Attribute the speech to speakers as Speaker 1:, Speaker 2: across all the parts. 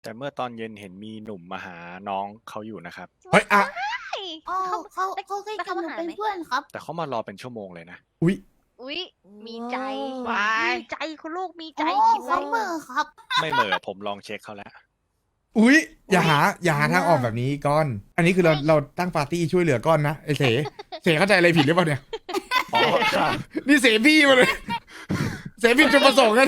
Speaker 1: แต่เมื่อตอนเย็นเห็นมีหนุ่มมาหาน้องเขาอยู่นะครับ
Speaker 2: เฮ้ยอ่ะ
Speaker 3: อ๋อเขาเคยกับหนูเป็นเพื่อนครับ
Speaker 1: แต่เขามารอเป็นชั่วโมงเลยนะ
Speaker 2: อุ๊ย
Speaker 4: อุ๊ยมีใจ
Speaker 3: ว้าย
Speaker 4: มีใจคุณลูกมีใจ
Speaker 3: อ๋อ
Speaker 4: คิด
Speaker 3: เขา
Speaker 4: ไว้
Speaker 3: เบอร์ครับ
Speaker 1: ไม่เหม่อผมลองเช็คเขาแล้ว
Speaker 2: อุ๊ยอย่าหาทางออกแบบนี้ก้อน อันนี้คือเราตั้งปาร์ตี้ช่วยเหลือก้อนนะไอเสเข้าใจอะไรผิดหรือเปล่าเนี่ย
Speaker 1: อ๋อครับ
Speaker 2: นี่เสพี่มาเลย เสพี่จุดประสงค์กัน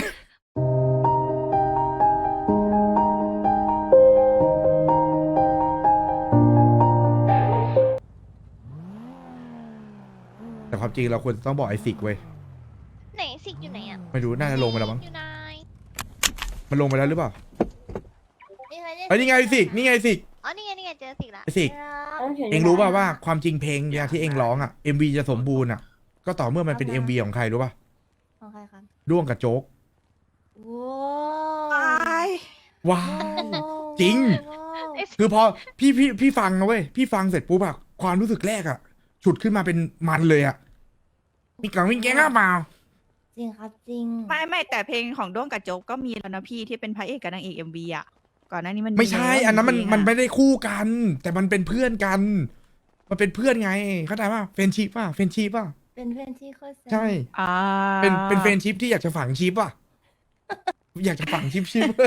Speaker 2: แต่ความจริงเราควรต้องบอกไอซิกเว้ย
Speaker 4: ไหนสิกอยู่ไหนอ่ะ
Speaker 2: ไม่รู้น่าจะลงไปแล้วมั้ง
Speaker 4: อยู่ไหน
Speaker 2: มันลงไปแล้วหรือเปล่าเอ้ยนี่ไงไอซิกนี่ไงไอซิก
Speaker 4: อ๋อนี่ไงเจอสิกละ
Speaker 2: ไอซิกเองรู้ป่าวว่าความจริงเพลงเนี่ยที่เองร้องอ่ะ MV จะสมบูรณ์อ่ะ ก็ต่อเมื่อมันเป็น MV ของใครรู้ป่ะ
Speaker 3: ของใครครับ
Speaker 2: ด้วงกับโจ๊ก
Speaker 3: ว้าย
Speaker 2: ว้าวจริง คือพอพี่ฟังนะเว้ยพี่ฟังเสร็จปุ๊บอะความรู้สึกแรกอะฉุดขึ้นมาเป็นมันเลยอะมีกล่องวิ่งแกงเปล่า
Speaker 3: จริงครับจริง
Speaker 5: ไม่แต่เพลงของด้วงกับโจ๊กก็มีแล้วนะพี่ที่เป็นพระเอกกับนางเอกMVอ่ะก่อนหน้านี้มัน
Speaker 2: ไม่ใช่
Speaker 5: แล้ว
Speaker 2: อันนั้นมัน
Speaker 5: เพลง
Speaker 2: มัน
Speaker 5: อะ
Speaker 2: ไม่ได้คู่กัน แต่มันเป็นเพื่อนกัน มันเป็นเพื่อนไงเข้าใจป่ะเฟรนชิปป่ะเฟรนชิปป่ะ
Speaker 3: เป็นเพื่อนที่โคตร
Speaker 2: ใช่
Speaker 5: อ่า
Speaker 2: เป็นเฟรนชิปที่อยากจะฝังชิปป่ะอยากจะฝังชิป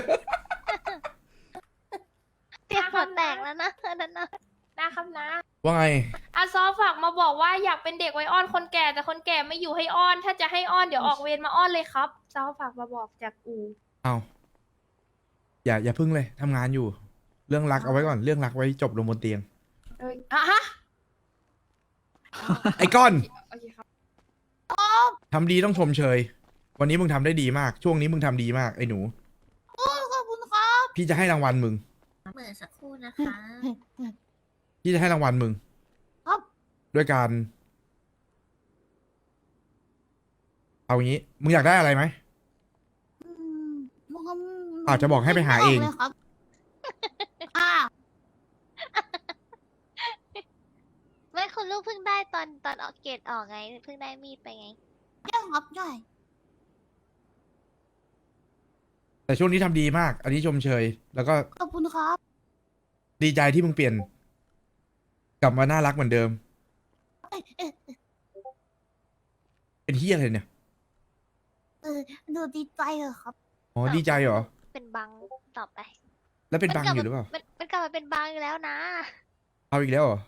Speaker 4: เตียงหัวแตกแล้วนะนั่นนะ
Speaker 6: นะครับนะ
Speaker 2: ว่าไง
Speaker 6: อาซอฝากมาบอกว่าอยากเป็นเด็กไว้อ้อนคนแก่แต่คนแก่ไม่อยู่ให้อ้อน ถ้าจะให้อ้อนเดี๋ยวออกเวรมาอ้อนเลยครับซอฝากมาบอกจากอู
Speaker 2: เอาอย่าพึ่งเลยทำงานอยู่ เรื่องรักเอาไว้ก่อนเรื่องรักไว้จบลงบนเตียง
Speaker 6: อ่ะฮะ
Speaker 2: ไอ้ก้อน
Speaker 6: โอเคครับ
Speaker 2: ทำดีต้องชมเชย วันนี้มึงทำได้ดีมาก ช่วงนี้มึงทำดีมากไอ้หนู
Speaker 3: ขอบคุณครับ
Speaker 2: พี่จะให้รางวัลมึง
Speaker 4: เหมือนสักครู่นะคะ
Speaker 2: พี่จะให้รางวัลมึง
Speaker 3: ครับ
Speaker 2: ด้วยการ เอางี้ มึงอยากได้อะไรไหม
Speaker 3: อืมมันก็
Speaker 2: อาจจะบอกให้ไปหาเอง
Speaker 3: ไม่บกลยครับอ่า
Speaker 4: ไม่คุณลูกเพิ่งได้ตอนออกเกรดออกไงเพิ่งได้มีดไปไง
Speaker 3: ได้ครับได้
Speaker 2: แต่ช่วงนี้ทำดีมาก อันนี้ชมเชย แล้วก็
Speaker 3: ขอบคุณครับ
Speaker 2: ดีใจที่มึงเปลี่ยน กลับมาน่ารักเหมือนเดิม
Speaker 3: เอ้ยเอ้ย
Speaker 2: เป็นเฮียอะไรเนี่ย
Speaker 3: เออดูดีใจเหรอครับ
Speaker 2: อ๋อ ดีใจเหรอ
Speaker 4: เป็นบังต่อไป
Speaker 2: แล้วเป็นบังอยู่หรือเปล่า
Speaker 4: มันกลับมาเป็นบังอยู่แล้วนะ
Speaker 2: เอาอีกแล้วเหรอ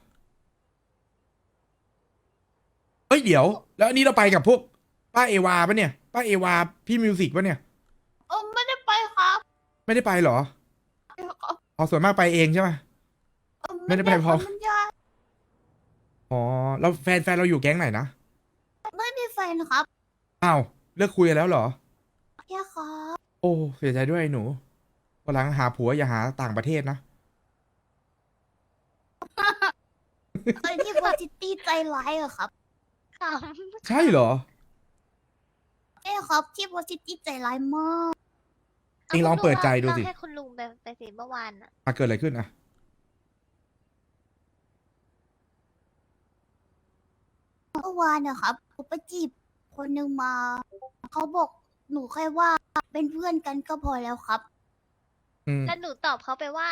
Speaker 2: เฮ้ย เดี๋ยว แล้วอันนี้เราไปกับพวก ป้าเอวาปะเนี่ย ป้าเอวา พี่มิวสิกปะเนี่ย
Speaker 3: ไม่ได้ไปครับ
Speaker 2: ไม่ได้ไปเหรอ อ๋อ ส่วนมากไปเองใช่ไหม ไม่ได้ไปพร้อม
Speaker 3: มันยาก
Speaker 2: อ๋อ แล้วแฟนเราอยู่แก๊งไหนนะ
Speaker 3: ไม่มีแฟนครับ
Speaker 2: อ้าว เลิกคุยกันแล้วเหรอ
Speaker 3: แค่ครับ
Speaker 2: โอ้เสียใจด้วยไอ้หนูวันหลังหาผัวอย่าหาต่างประเทศนะ
Speaker 3: เอ้ยที่โพสิตี้ใจร้ายเหรอครับ
Speaker 4: ข
Speaker 2: ใช่เหรอ
Speaker 3: ใช่ครับที่โพสิตี้ใจร้ายมาก
Speaker 4: ำ
Speaker 2: เองลองเปิดใจดูสิ
Speaker 4: เราให้คุณลุงไปสิเมื่อวานอะ
Speaker 2: เกิดอะไรขึ้นอะ
Speaker 3: เมื่อวานนะครับผมไปจีบคนหนึ่งมา เขาบอกหนูแค่ว่าเป็นเพื่อนกันก็พอแล้วครับ
Speaker 2: อืม
Speaker 4: แล้วหนูตอบเขาไปว่า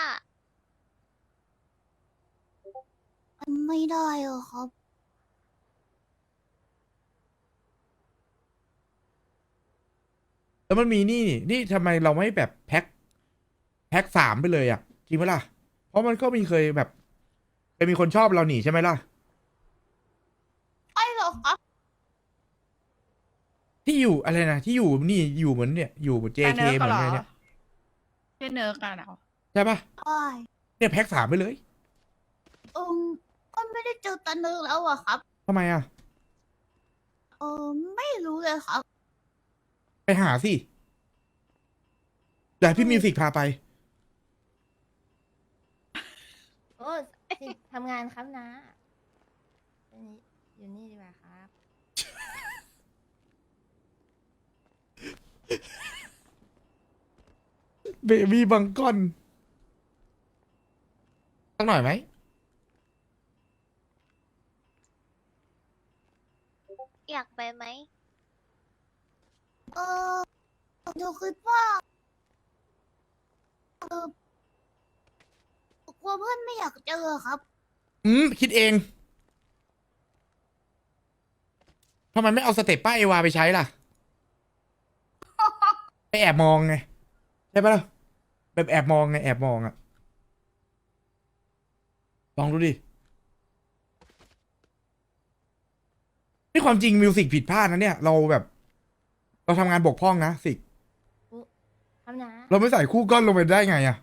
Speaker 3: มันไม่ได้เหรอครับ
Speaker 2: แล้วมันมีนี่ทำไมเราไม่แบบแพ็คสามไปเลยอะจริงไหมล่ะ เพราะมันก็มีเคยแบบเคยมีคนชอบเราหนีใช่ไหมล่ะ
Speaker 3: ใช่เหรอครับ
Speaker 2: ที่อยู่อะไรนะที่อยู่นี่อยู่เหมือนเนี่ยอยู่
Speaker 5: แต่
Speaker 2: JK
Speaker 5: เนิร์ก
Speaker 2: เหมือน
Speaker 5: เหรอ
Speaker 2: อะไรเนี่ย
Speaker 5: ชื่อเนิร์กกันเหรอ
Speaker 2: ใช่ปะ
Speaker 3: ใช่
Speaker 2: เนี่ยแพ็คสามไปเลย
Speaker 3: เออก็ไม่ได้เจอตาเนึงแล้วอะครับ
Speaker 2: ทำไมอะ
Speaker 3: เออไม่รู้เลยครับ
Speaker 2: ไปหาสิเดี๋ยวให้พี่มิวสิกพาไป
Speaker 7: โอ้สิทำงานครับนะอันนี้อยู่นี่ดีกว่าครับ
Speaker 2: เบบี้บังกอนสักหน่อยไหม
Speaker 4: อยากไปไหม
Speaker 3: เออหนูคิดว่าเออลัวเพื่อนไม่อยากเจอครับ
Speaker 2: คิดเองทำไมไม่เอาสเต็ปป้าเอวาไปใช้ล่ะ ไปแอบมองไงใช่ปะล่ะแบบแอบมองไงแอบมองอะลองดูดินี่ความจริงมิวสิกผิดพลาดนะเนี่ยเราแบบ เราทำงานบกพร่องนะสิก
Speaker 7: ครับนะ
Speaker 2: เราไม่ใส่คู่ก้อนลงไปได้ไงอะ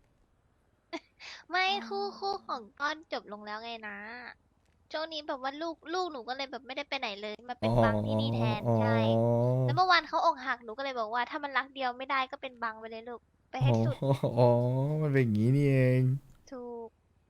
Speaker 4: ไม่คู่ของก้อนจบลงแล้วไงนะช่วงนี้แบบว่าลูกหนูก็เลยแบบไม่ได้ไปไหนเลยมาเป็นบังที่นี่แทนใช่แล้วเมื่อวานเขาอกหักหนูก็เลยบอกว่าถ้ามันรักเดียวไม่ได้ก็เป็นบังไปเลยลูกไปให้สุด
Speaker 2: อ๋อมันเป็นอย่างนี้นี่เอง
Speaker 4: ถูก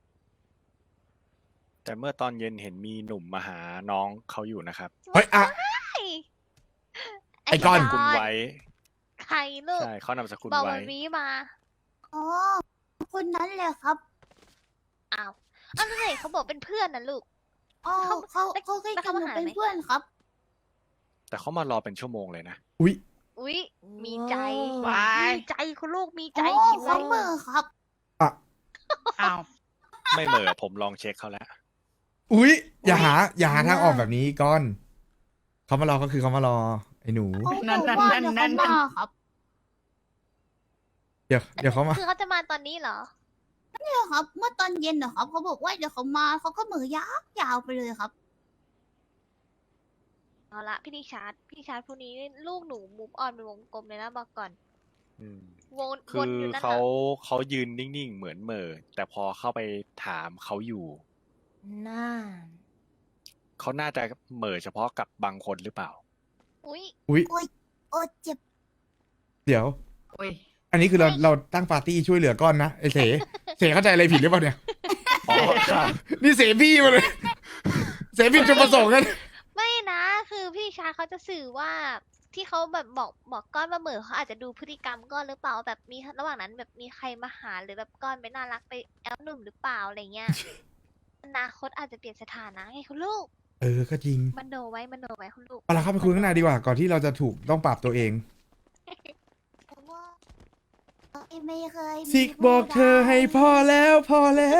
Speaker 1: แต่เมื่อตอนเย็นเห็นมีหนุ่มมาหาน้องเขาอยู่นะครับ
Speaker 2: เฮ้ยอะ ไอ้ก้อน
Speaker 1: คุณไว้
Speaker 4: ใครลูก
Speaker 1: ใช่เขานามสกุล
Speaker 4: บอก
Speaker 1: ไว้
Speaker 4: วันนี้มา
Speaker 3: อ๋อ คนนั้นแหละครับ
Speaker 4: อ้าวแล้วไหนเขาบอกเป็นเพื่อนนะลูก
Speaker 3: อ๋อ
Speaker 4: เขา
Speaker 3: เขาเคย
Speaker 4: แล้ว
Speaker 3: กับ
Speaker 4: เขา
Speaker 3: หนู
Speaker 4: มาหา
Speaker 3: เป็น
Speaker 4: ไหม
Speaker 3: เพื่อนครับ
Speaker 1: แต่เขามารอเป็นชั่วโมงเลยนะ
Speaker 2: อุ๊ย
Speaker 4: อุ๊ยมีใจ
Speaker 5: ว้าย
Speaker 4: มีใจคุณลูกมีใจ
Speaker 3: อ๋อ
Speaker 4: คิด
Speaker 3: เขา
Speaker 4: ไว้
Speaker 3: เบอร์ครับ
Speaker 5: อ้าว
Speaker 1: ไม่เหม่อผมลองเช็คเขาแล้ว
Speaker 2: อุ๊ยอย่าหาทางออกแบบนี้ก้อนเขามารอก็คือเขามารอไอ้หนู
Speaker 3: เขาบอกว่าเดี๋ยวเขามาครับ
Speaker 2: เดี๋ยวเขามา
Speaker 4: คือเขาจะมาตอนนี้เหรอ
Speaker 3: เนี่ยครับ เมื่อตอนเย็นนะครับเขาบอกว่าเดี๋ยวเขามาเขาก็เหมือยาวไปเลยครับ
Speaker 4: เอาละพี่นิชาร์ดพวกนี้ลูกหนูมูฟออนเป็นวงกลมเลยนะบอกก่อน
Speaker 1: อืม
Speaker 4: วน
Speaker 1: คือ
Speaker 4: อยู่นั่น
Speaker 1: เขา
Speaker 4: น่ะ
Speaker 1: เขายืนนิ่งๆเหมือนเหม่อแต่พอเข้าไปถามเขาอยู่
Speaker 7: น่า
Speaker 1: เขาน่าจะเหม่อเฉพาะกับบางคนหรือเปล่า
Speaker 4: อุ๊ย
Speaker 2: อุ๊ย
Speaker 3: โอ้เจ็บ
Speaker 2: เดี๋ยว
Speaker 5: โอ้ย
Speaker 2: อันนี้คือเราตั้งปาร์ตี้ช่วยเหลือก้อนนะไอ้เสเข้าใจอะไรผิดหรือเปล่าเนี่ย
Speaker 1: อ๋อครับ
Speaker 2: นี่เสพี่มาเลย เสผิดจุดประสงค์กัน
Speaker 4: ไม่นะคือพี่ชาร์ดเขาจะสื่อว่าที่เขาแบบบอกก้อนมาเหมือเขาอาจจะดูพฤติกรรมก้อนหรือเปล่าแบบมีระหว่างนั้นแบบมีใครมาหาหรือแบบก้อนไปน่ารักไปแอลหนุ่มหรือเปล่าอะไรเงี้ย อนาคตอาจจะเปลี่ยนสถานะไงคุณลูก
Speaker 2: ก็จริง
Speaker 4: มันโนไว้คุณลูก
Speaker 2: เอาละเข้าไปคุยข้างในดีกว่าก่อนที่เราจะถูกต้องปรับตัวเอง
Speaker 3: แต่ว่าไม่เคยมี
Speaker 2: สิกบอกเธอให้พอแล้วพอ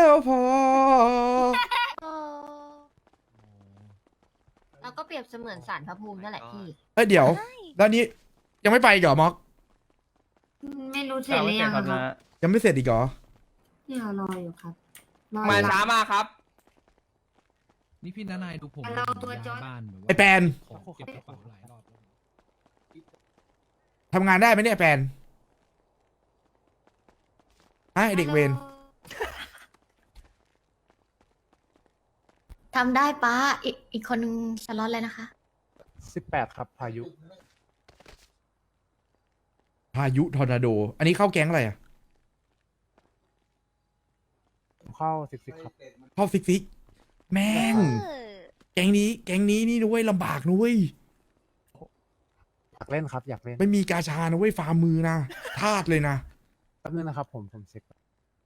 Speaker 7: เราก็เปรียบเสมือนสารพระภูมินั่นแหละพี่
Speaker 2: เอ้ยเดี๋ยวแล้วนี้ยังไม่ไปอีกเหรอม็อก
Speaker 7: ไม่รู้เสร็จหรือยังครับ
Speaker 2: ยังไม่เสร็จอีกเหรอ
Speaker 7: เนี่ยรออยู่ครับ
Speaker 8: มาช้ามากครับ
Speaker 9: นี่พี่นายดูผม
Speaker 7: เราตัวจอด
Speaker 9: บ้านแบบว่า
Speaker 2: ไอแปน
Speaker 9: ของเก็บกระเป๋าหลายรอบแล้ว
Speaker 2: ทำงานได้ไหมเนี่ยแปนไอเด็กเวร
Speaker 7: ทำได้ป้าอีกคนนึงสล็อตเลยนะคะ
Speaker 8: 18 ครับ พายุ
Speaker 2: พายุทอร์นาโด อันนี้เข้าแก๊งอะไรอ่ะ
Speaker 8: เข้าซิกครับ
Speaker 2: เข้าซิกแม่ง
Speaker 4: เออ
Speaker 2: แก๊งนี้นี่ด้วยลำบากนุ้ย
Speaker 8: อยากเล่นครับ อยากเล่น
Speaker 2: ไม่มีกาชานะเว้ยฟาร์มมือนะทาสเลยนะ
Speaker 8: แป๊บนึงนะครับ ผมเช็ค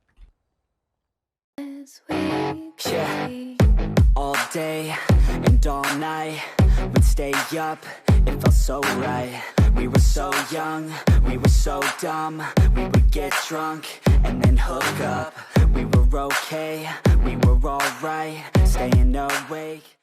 Speaker 10: Yeah, all day and all night, we'd stay up, it felt so right. We were so young, we were so dumb, we would get drunk and then hook up. We were okay, we were alright, staying awake.